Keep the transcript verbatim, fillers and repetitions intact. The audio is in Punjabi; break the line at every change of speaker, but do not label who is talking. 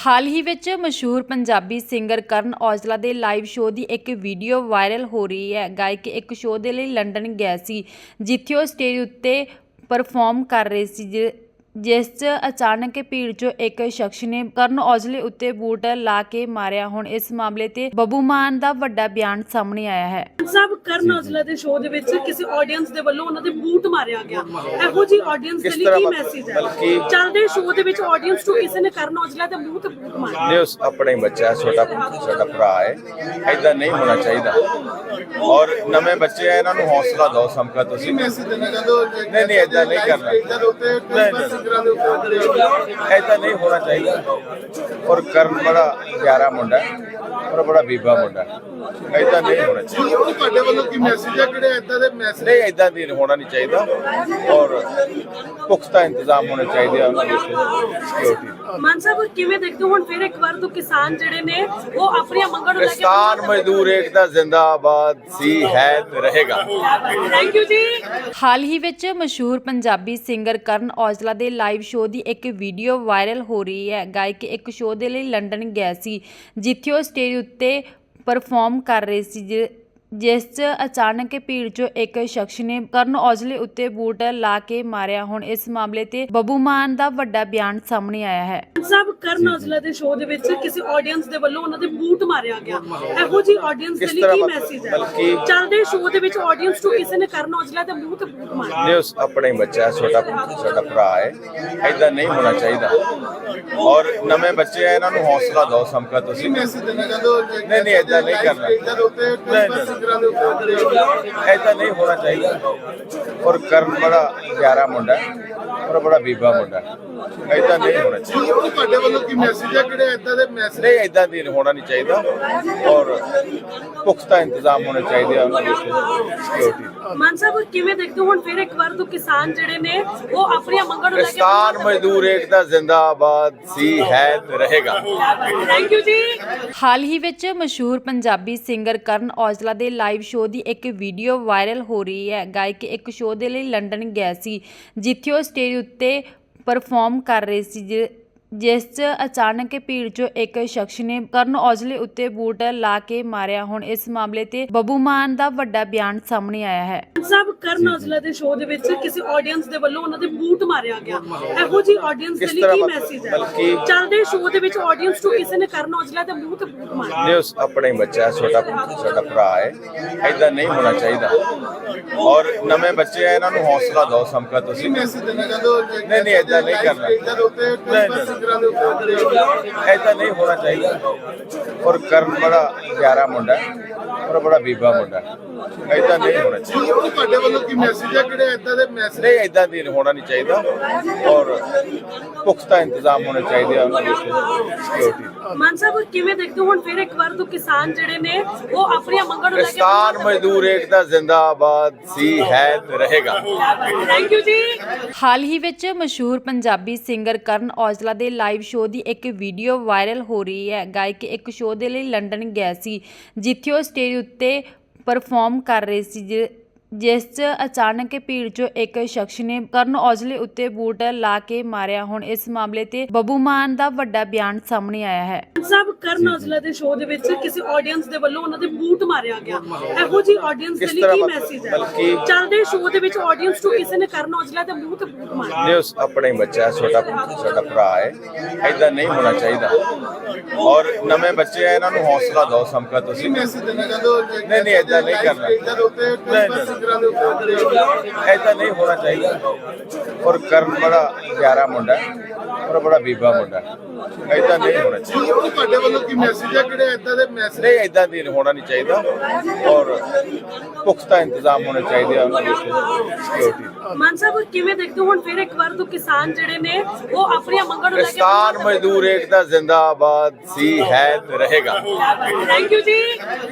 ਹਾਲ ਹੀ ਵਿੱਚ ਮਸ਼ਹੂਰ ਪੰਜਾਬੀ ਸਿੰਗਰ ਕਰਨ ਔਜਲਾ ਦੇ ਲਾਈਵ ਸ਼ੋਅ ਦੀ ਇੱਕ ਵੀਡੀਓ ਵਾਇਰਲ ਹੋ ਰਹੀ ਹੈ। ਗਾਇਕ ਇੱਕ ਸ਼ੋਅ ਦੇ ਲਈ ਲੰਡਨ ਗਿਆ ਸੀ, ਜਿੱਥੇ ਉਹ ਸਟੇਜ ਉੱਤੇ ਪਰਫਾਰਮ ਕਰ ਰਹੇ ਸੀ, ਜਿ ਜਿਸ 'ਚ ਅਚਾਨਕ ਭੀੜ 'ਚੋਂ ਇੱਕ ਸ਼ਖਸ ਨੇ ਕਰਨ ਔਜਲੇ ਉੱਤੇ ਬੂਟ ਲਾ ਕੇ ਮਾਰਿਆ। ਹੁਣ ਇਸ ਮਾਮਲੇ ਤੇ ਬੱਬੂ ਮਾਨ ਦਾ ਵੱਡਾ ਬਿਆਨ ਸਾਹਮਣੇ ਆਇਆ ਹੈ।
ਸਭ ਕਰਨ ਔਜਲਾ ਦੇ ਸ਼ੋਅ ਦੇ ਵਿੱਚ ਕਿਸੇ ਆਡੀਅנס ਦੇ ਵੱਲੋਂ ਉਹਨਾਂ ਦੇ ਬੂਟ ਮਾਰਿਆ ਗਿਆ। ਇਹੋ ਜੀ ਆਡੀਅנס ਦੇ ਲਈ ਕੀ ਮੈਸੇਜ ਹੈ? ਚੱਲਦੇ ਸ਼ੋਅ ਦੇ ਵਿੱਚ ਆਡੀਅנס ਤੋਂ ਕਿਸੇ ਨੇ ਕਰਨ ਔਜਲਾ ਦੇ ਮੂੰਹ ਤੇ ਬੂਟ ਮਾਰਿਆ।
ਨਹੀਂ, ਉਸ ਆਪਣੇ ਬੱਚਾ ਛੋਟਾ ਸਾਡਾ ਭਰਾ ਹੈ, ਐਦਾਂ ਨਹੀਂ ਹੋਣਾ ਚਾਹੀਦਾ। ਔਰ ਨਵੇਂ ਬੱਚੇ ਆ, ਇਹਨਾਂ ਨੂੰ ਹੌਸਲਾ ਦਿਓ। ਸਮਕਾ ਤੁਸੀਂ ਮੈਸੇਜ ਦੇਣਾ ਚਾਹੁੰਦੇ ਹੋ? ਨਹੀਂ ਨਹੀਂ, ਐਦਾਂ ਨਹੀਂ ਕਰਨਾ, ਐਦਾਂ ਨਹੀਂ ਹੋਣਾ ਚਾਹੀਦਾ। ਔਰ ਕਰਨ ਬੜਾ ਪਿਆਰਾ ਮੁੰਡਾ ਔਰ ਬੜਾ ਬੀਬਾ ਮੁੰਡਾ, ਐਦਾਂ ਨਹੀਂ ਹੋਣਾ ਚਾਹੀਦਾ।
ਤੁਹਾਡੇ ਵੱਲੋਂ ਕੀ ਮੈਸੇਜ ਹੈ? ਕਿਹੜੇ ਐਦਾਂ ਦੇ ਮੈਸੇਜ
ਨਹੀਂ, ਐਦਾਂ ਦੀ ਹੋਣਾ ਨਹੀਂ ਚਾਹੀਦਾ। ਔਰ ਪੁਖਤਾ ਇੰਤਜ਼ਾਮ ਹੋਣੇ ਚਾਹੀਦੇ ਆ ਉਹਨਾਂ ਦੇ ਸਿਕਿਉਰਿਟੀ।
ਮਾਨ ਸਾਹਿਬ ਕਿਵੇਂ ਦੇਖਦੇ ਹੋ? ਹੁਣ ਫਿਰ ਇੱਕ ਵਾਰ ਤੋਂ ਕਿਸਾਨ ਜਿਹੜੇ ਨੇ ਉਹ ਆਪਣੀਆਂ ਮੰਗਾਂ ਨੂੰ ਲੈ ਕੇ
ਕਿਸਾਨ ਮਜ਼ਦੂਰ ਏਕਤਾ ਜ਼ਿੰਦਾਬਾਦ ਸੀ, ਹੈ ਤੇ ਰਹੇਗਾ।
ਥੈਂਕ ਯੂ ਜੀ।
ਹਾਲ ਹੀ ਵਿੱਚ ਮਸ਼ਹੂਰ ਪੰਜਾਬੀ ਸਿੰਗਰ ਕਰਨ ਔਜਲਾ ਦੇ ਲਾਈਵ ਸ਼ੋਅ ਦੀ ਇੱਕ ਵੀਡੀਓ ਵਾਇਰਲ ਹੋ ਰਹੀ ਹੈ। ਗਾਇਕ ਇੱਕ ਸ਼ੋਅ ਦੇ ਲਈ ਲੰਡਨ ਗਿਆ ਸੀ, ਜਿੱਥੇ ਉਹ ਸਟੇਜ ਉੱਤੇ ਪਰਫਾਰਮ ਕਰ ਰਹੇ ਸੀ, ਜਿ ਜਿਸ 'ਚ ਅਚਾਨਕ ਭੀੜ 'ਚੋਂ ਇੱਕ ਸ਼ਖਸ ਨੇ ਕਰਨ ਔਜਲੇ ਉੱਤੇ ਬੂਟ ਲਾ ਕੇ ਮਾਰਿਆ। ਹੁਣ ਇਸ ਮਾਮਲੇ ਤੇ ਬੱਬੂ ਮਾਨ ਦਾ ਵੱਡਾ ਬਿਆਨ ਸਾਹਮਣੇ ਆਇਆ ਹੈ।
ਸਭ ਕਰਨ ਔਜਲਾ ਦੇ ਸ਼ੋਅ ਦੇ ਵਿੱਚ ਕਿਸੇ ਆਡੀਅנס ਦੇ ਵੱਲੋਂ ਉਹਨਾਂ ਦੇ ਬੂਟ ਮਾਰਿਆ ਗਿਆ। ਇਹੋ ਜੀ ਆਡੀਅנס ਦੇ ਲਈ ਕੀ ਮੈਸੇਜ ਹੈ? ਚੱਲਦੇ ਸ਼ੋਅ ਦੇ ਵਿੱਚ ਆਡੀਅנס ਤੋਂ ਕਿਸੇ ਨੇ ਕਰਨ ਔਜਲਾ ਦੇ ਮੂੰਹ ਤੇ ਬੂਟ ਮਾਰਿਆ।
ਨਹੀਂ, ਉਸ ਆਪਣੇ ਬੱਚਾ ਛੋਟਾ ਸਾਡਾ ਭਰਾ ਹੈ, ਐਦਾਂ ਨਹੀਂ ਹੋਣਾ ਚਾਹੀਦਾ। ਔਰ ਨਵੇਂ ਬੱਚੇ ਆ, ਇਹਨਾਂ ਨੂੰ ਹੌਸਲਾ ਦਿਓ। ਸਮਕਾ ਤੁਸੀਂ ਮੈਸੇਜ
ਦੇਣਾ ਚਾਹੁੰਦੇ ਹੋ?
ਨਹੀਂ ਨਹੀਂ, ਐਦਾਂ ਨਹੀਂ ਕਰਨਾ, ਐਦਾਂ ਨਹੀਂ ਹੋਣਾ ਚਾਹੀਦਾ। ਔਰ ਕਰਨ ਬੜਾ ਪਿਆਰਾ ਮੁੰਡਾ ਔਰ ਬੜਾ ਬੀਬਾ ਮੁੰਡਾ, ਐਦਾਂ ਨਹੀਂ ਹੋਣਾ ਚਾਹੀਦਾ।
ਤੁਹਾਡੇ ਵੱਲੋਂ ਕੀ ਮੈਸੇਜ ਹੈ? ਕਿਹੜੇ ਐਦਾਂ ਦੇ ਮੈਸੇਜ
ਨਹੀਂ, ਐਦਾਂ ਦੀ ਹੋਣਾ ਨਹੀਂ ਚਾਹੀਦਾ। ਔਰ ਪੁਖਤਾ ਇੰਤਜ਼ਾਮ ਹੋਣੇ ਚਾਹੀਦੇ ਆ ਉਹਨਾਂ ਦੇ ਸਿਕਿਉਰਿਟੀ।
ਮਾਨ ਸਾਹਿਬ ਕਿਵੇਂ ਦੇਖਦੇ ਹੋ? ਹੁਣ ਫਿਰ ਇੱਕ ਵਾਰ ਤੋਂ ਕਿਸਾਨ ਜਿਹੜੇ ਨੇ ਉਹ ਆਪਣੀਆਂ ਮੰਗਾਂ ਨੂੰ ਲੈ ਕੇ
ਕਿਸਾਨ ਮਜ਼ਦੂਰ ਏਕਤਾ ਜ਼ਿੰਦਾਬਾਦ ਸੀ, ਹੈ ਤੇ ਰਹੇਗਾ।
ਥੈਂਕ ਯੂ ਜੀ।
ਹਾਲ ਹੀ ਵਿੱਚ ਮਸ਼ਹੂਰ ਪੰਜਾਬੀ ਸਿੰਗਰ ਕਰਨ ਔਜਲਾ ਦੇ ਲਾਈਵ ਸ਼ੋਅ ਦੀ ਇੱਕ ਵੀਡੀਓ ਵਾਇਰਲ ਹੋ ਰਹੀ ਹੈ। ਗਾਇਕ ਇੱਕ ਸ਼ੋਅ ਦੇ ਲਈ ਲੰਡਨ ਗਿਆ ਸੀ, ਜਿੱਥੇ ਉਹ ਸਟੇਜ ਉੱਤੇ ਪਰਫਾਰਮ ਕਰ ਰਹੇ ਸੀ, ਜਿ ਜਿਸ 'ਚ ਅਚਾਨਕ ਭੀੜ 'ਚੋਂ ਇੱਕ ਸ਼ਖਸ ਨੇ ਕਰਨ ਔਜਲੇ ਉੱਤੇ ਬੂਟ ਲਾ ਕੇ ਮਾਰਿਆ। ਹੁਣ ਇਸ ਮਾਮਲੇ ਤੇ ਬੱਬੂ ਮਾਨ ਦਾ ਵੱਡਾ ਬਿਆਨ ਸਾਹਮਣੇ ਆਇਆ ਹੈ।
ਸਭ ਕਰਨ ਔਜਲਾ ਦੇ ਸ਼ੋਅ ਦੇ ਵਿੱਚ ਕਿਸੇ ਆਡੀਅנס ਦੇ ਵੱਲੋਂ ਉਹਨਾਂ ਦੇ ਬੂਟ ਮਾਰਿਆ ਗਿਆ। ਇਹੋ ਜੀ ਆਡੀਅנס ਦੇ ਲਈ ਕੀ ਮੈਸੇਜ ਹੈ? ਚੱਲਦੇ ਸ਼ੋਅ ਦੇ ਵਿੱਚ ਆਡੀਅנס ਤੋਂ ਕਿਸੇ ਨੇ ਕਰਨ ਔਜਲਾ ਦੇ ਮੂੰਹ ਤੇ ਬੂਟ ਮਾਰਿਆ।
ਨਹੀਂ, ਉਸ ਆਪਣੇ ਬੱਚਾ ਛੋਟਾ ਸਾਡਾ ਭਰਾ ਹੈ, ਐਦਾਂ ਨਹੀਂ ਹੋਣਾ ਚਾਹੀਦਾ। ਔਰ ਨਵੇਂ ਬੱਚੇ ਆ, ਇਹਨਾਂ ਨੂੰ ਹੌਸਲਾ ਦਿਓ। ਸਮਕਾ ਤੁਸੀਂ
ਮੈਸੇਜ ਦੇਣਾ ਚਾਹੁੰਦੇ ਹੋ?
ਨਹੀਂ ਨਹੀਂ, ਐਦਾਂ ਨਹੀਂ ਕਰਨਾ, ਐਦਾਂ ਨਹੀਂ ਹੋਣਾ ਚਾਹੀਦਾ। ਔਰ ਕਰਨ ਬੜਾ ਪਿਆਰਾ ਮੁੰਡਾ ਔਰ ਬੜਾ ਬੀਬਾ ਮੁੰਡਾ, ਐਦਾਂ ਨਹੀਂ ਹੋਣਾ ਚਾਹੀਦਾ।
ਤੁਹਾਡੇ ਵੱਲੋਂ ਕੀ ਮੈਸੇਜ ਹੈ? ਕਿਹੜੇ ਐਦਾਂ ਦੇ ਮੈਸੇਜ
ਨਹੀਂ, ਐਦਾਂ ਦੀ ਹੋਣਾ ਨਹੀਂ ਚਾਹੀਦਾ। ਔਰ ਪੁਖਤਾ ਇੰਤਜ਼ਾਮ ਹੋਣੇ ਚਾਹੀਦੇ ਆ ਉਹਨਾਂ ਦੇ ਸਿਕਿਉਰਿਟੀ।
ਮਾਨ ਸਾਹਿਬ ਕਿਵੇਂ ਦੇਖਦੇ ਹੋ? ਹੁਣ ਫਿਰ ਇੱਕ ਵਾਰ ਤੋਂ ਕਿਸਾਨ ਜਿਹੜੇ ਨੇ ਉਹ ਆਪਣੀਆਂ ਮੰਗਾਂ ਨੂੰ ਲੈ ਕੇ
ਕਿਸਾਨ ਮਜ਼ਦੂਰ ਏਕਤਾ ਜ਼ਿੰਦਾਬਾਦ ਸੀ, ਹੈ ਤੇ ਰਹੇਗਾ।
ਥੈਂਕ ਯੂ ਜੀ।
ਹਾਲ ਹੀ ਵਿੱਚ ਮਸ਼ਹੂਰ ਪੰਜਾਬੀ ਸਿੰਗਰ ਕਰਨ ਔਜਲਾ ਦੇ ਲਾਈਵ ਸ਼ੋਅ ਦੀ ਇੱਕ ਵੀਡੀਓ ਵਾਇਰਲ ਹੋ ਰਹੀ ਹੈ। ਗਾਇਕ ਇੱਕ ਸ਼ੋਅ ਦੇ ਲਈ ਲੰਡਨ ਗਿਆ ਸੀ, ਜਿੱਥੇ ਉਹ ਸਟੇਜ ਉੱਤੇ ਪਰਫਾਰਮ ਕਰ ਰਹੇ ਸੀ, ਜਿ ਜਿਸ 'ਚ ਅਚਾਨਕ ਭੀੜ 'ਚੋਂ ਇੱਕ ਸ਼ਖਸ ਨੇ ਕਰਨ ਔਜਲੇ ਉੱਤੇ ਬੂਟ ਲਾ ਕੇ ਮਾਰਿਆ। ਹੁਣ ਇਸ ਮਾਮਲੇ ਤੇ ਬੱਬੂ ਮਾਨ ਦਾ ਵੱਡਾ ਬਿਆਨ ਸਾਹਮਣੇ ਆਇਆ ਹੈ।
ਸਭ ਕਰਨ ਔਜਲਾ ਦੇ ਸ਼ੋਅ ਦੇ ਵਿੱਚ ਕਿਸੇ ਆਡੀਅנס ਦੇ ਵੱਲੋਂ ਉਹਨਾਂ ਦੇ ਬੂਟ ਮਾਰਿਆ ਗਿਆ। ਇਹੋ ਜੀ ਆਡੀਅנס ਦੇ ਲਈ ਕੀ ਮੈਸੇਜ ਹੈ? ਚੱਲਦੇ ਸ਼ੋਅ ਦੇ ਵਿੱਚ ਆਡੀਅנס ਤੋਂ ਕਿਸੇ ਨੇ ਕਰਨ ਔਜਲਾ ਦੇ ਮੂੰਹ ਤੇ ਬੂਟ ਮਾਰਿਆ।
ਨਹੀਂ, ਉਸ ਆਪਣੇ ਬੱਚਾ ਛੋਟਾ ਸਾਡਾ ਭਰਾ ਹੈ, ਐਦਾਂ ਨਹੀਂ ਹੋਣਾ ਚਾਹੀਦਾ। ਔਰ ਨਵੇਂ ਬੱਚੇ ਆ, ਇਹਨਾਂ ਨੂੰ ਹੌਸਲਾ ਦਿਓ। ਸਮਕਾ ਤੁਸੀਂ
ਮੈਸੇਜ ਦੇਣਾ ਚਾਹੁੰਦੇ ਹੋ?
ਨਹੀਂ ਨਹੀਂ, ਐਦਾਂ ਨਹੀਂ ਕਰਨਾ, ਐਦਾਂ ਨਹੀਂ ਹੋਣਾ ਚਾਹੀਦਾ। ਔਰ ਕਰਨ ਬੜਾ ਪਿਆਰਾ ਮੁੰਡਾ ਔਰ ਬੜਾ ਬੀਬਾ ਮੁੰਡਾ, ਐਦਾਂ ਨਹੀਂ ਹੋਣਾ ਚਾਹੀਦਾ।
ਤੁਹਾਡੇ ਵੱਲੋਂ ਕੀ ਮੈਸੇਜ ਹੈ? ਕਿਹੜੇ ਐਦਾਂ ਦੇ ਮੈਸੇਜ
ਨਹੀਂ, ਐਦਾਂ ਦੀ ਹੋਣਾ ਨਹੀਂ ਚਾਹੀਦਾ। ਔਰ ਪੁਖਤਾ ਇੰਤਜ਼ਾਮ ਹੋਣੇ ਚਾਹੀਦੇ ਆ ਉਹਨਾਂ ਦੇ ਸਿਕਿਉਰਿਟੀ।
ਮਾਨ ਸਾਹਿਬ ਕਿਵੇਂ ਦੇਖਦੇ ਹੋ? ਹੁਣ ਫਿਰ ਇੱਕ ਵਾਰ ਤੋਂ ਕਿਸਾਨ ਜਿਹੜੇ ਨੇ ਉਹ ਆਪਣੀਆਂ ਮੰਗਾਂ ਨੂੰ ਲੈ ਕੇ
ਕਿਸਾਨ ਮਜ਼ਦੂਰ ਏਕਤਾ ਜ਼ਿੰਦਾਬਾਦ ਸੀ, ਹੈ ਤੇ ਰਹੇਗਾ।
ਥੈਂਕ ਯੂ ਜੀ।